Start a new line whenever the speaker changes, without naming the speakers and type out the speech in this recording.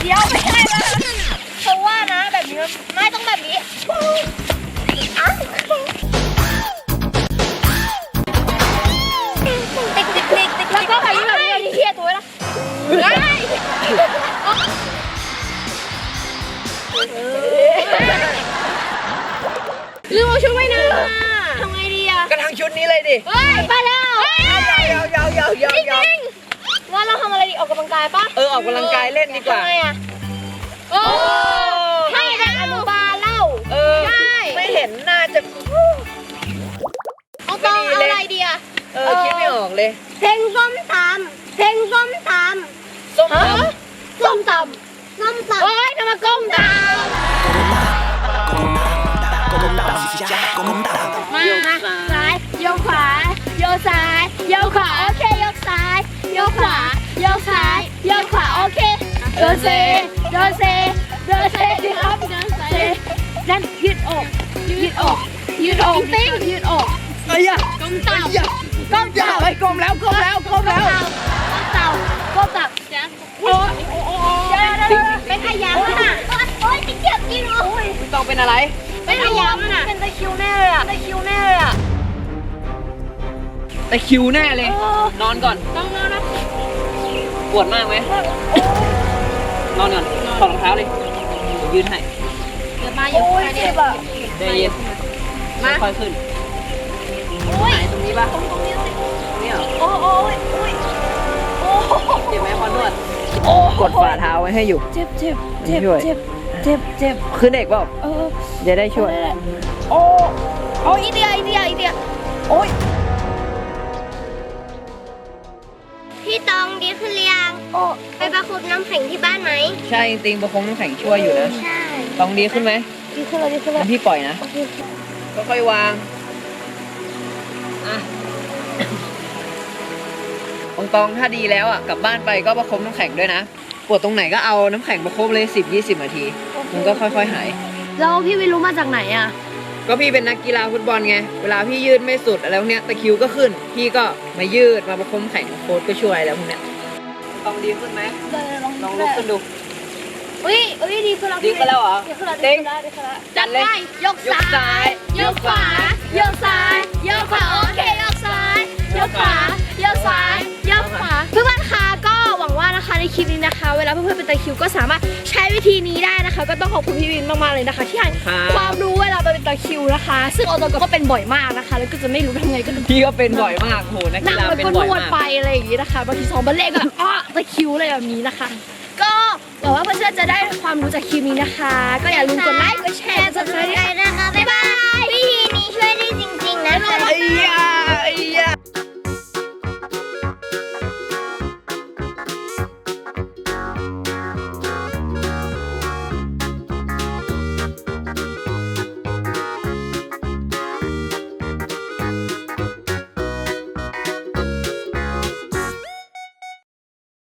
เดี๋ยวไม่ใช่แล้วเพราะว่านะแบบนี้ไม่ต้องแบบนี้ติ๊กแล้วก็แบบนี้เทียตัวนะได้ลืมเอาชุดไว้นะทำไงดีอะ
ก็ทั้งชุดนี้เลยดิ
ไปแล้ว
ยาว
ว่าเราทำอะไรดีออกกำลังกายปะ
ออกกำลังกายเล่นดีกว่า
ทำไมอะให้เด็กอนุบาลเล่าได้
ไม่เห็นน่าจะ
เอาต้องเอาอะไรดีอะ
คิดไม่ออกเลย
เพลงส้มตำเพลงส้มตำส้มตำโอ๊ยทำไมก้มตำมาซ้ายโยกขวาโยกซ้ายโยกขวาโอเคโยกซ้ายโยกขวาโยกซ้ายโยกขวาโอเคเดินเซดีครับเดินเซนั่นยืดอกติ้งยืดอก
ไอ้ยะ
ก้มเต่า
ไปก้มแล้ว
ก้มเต่าโอ้ยไปขยำน่ะโอ้ยติ๊กเจ็บจริงเหรอ
ต้องเป็นอะไร
ไปขยำน่ะเป็นตะคิวแน่เลยอะ
ตะคิวแน่เลยนอนก่อน
ต้องนอนนะ
ปวดมากไหมนอนก่อนถอดรองเท้าเลยยืนให้
เดี๋ยวมาอยู่เจ็บอ่ะ
ได้ยินมาค่อยขึ้นไหนตรงนี้ป่ะตรงนี้สิตรงนี้เหรอ
โอ้ย
เจ็บไหมพอนวดกดฝ่าเท้าไว้ให้อยู่
เจ็บ
คือเด็กเปล่าจะได้ช่วย
โอ้ยอีเดียโอ้ยพี่ตองดีขึ้นหรือยังไปประคบน้ำแข็งที่บ้านไหม
ใช่จริงๆประคบน้ำแข็งช่วยอยู่นะ
ใช่
ตองดีขึ้นไหม
ดีขึ้นแล้ว
พี่ปล่อยนะค่อยๆวางตองถ้าดีแล้วอ่ะกลับบ้านไปก็ประคบน้ำแข็งด้วยนะปวดตรงไหนก็เอาน้ำแข็งประคบเลย10-20 นาทีมันก็ค่อยๆหาย
แล้วพี่วิรู้มาจากไหนอ่ะ
ก็พี่เป็นนักกีฬาฟุตบอลไงเวลาพี่ยืดไม่สุดอะไรพวกเนี้ยตะคริวก็ขึ้นพี่ก็มายืดมาประคบน้ำแข็งโค้ชก็ช่วยแล้วพวกเนี้ยต้องดีขึ้นไหมลองลุกขึ้นดู
ดีขึ้นแล้ว
เหรอ
เด้งจัดเลยยกซ้ายยกขวาโยกซ้ายโยกขวาโอเคยกซ้ายยกขวาโยกซ้ายยกขวาเพื่อนๆคะก็หวังว่านะคะในคลิปนี้นะคะเวลาเพื่อนๆเป็นตะคริวก็สามารถใช้วิธีนี้ได้นะคะก็ต้องขอบคุณพี่วินมากๆเลยนะคะที่ให้ความรู้เวลาเป็นตะคริวนะคะซึ่งออโตก็เป็นบ่อยมากนะคะแล้วก็จะไม่รู้ทำไงก็
พี่ก็เป็นบ่อยมากโหนักกีฬาเป็นบ่อยมาก
ไปอะไรอย่างนี้นะคะบางทีซ้อมบอลเล่ก็ตะคริวอะไรแบบนี้นะคะก็หวังว่าเพื่อนๆจะได้ความรู้จากคลิปนี้นะคะก็อย่าลืมกดไลค์กดแชร์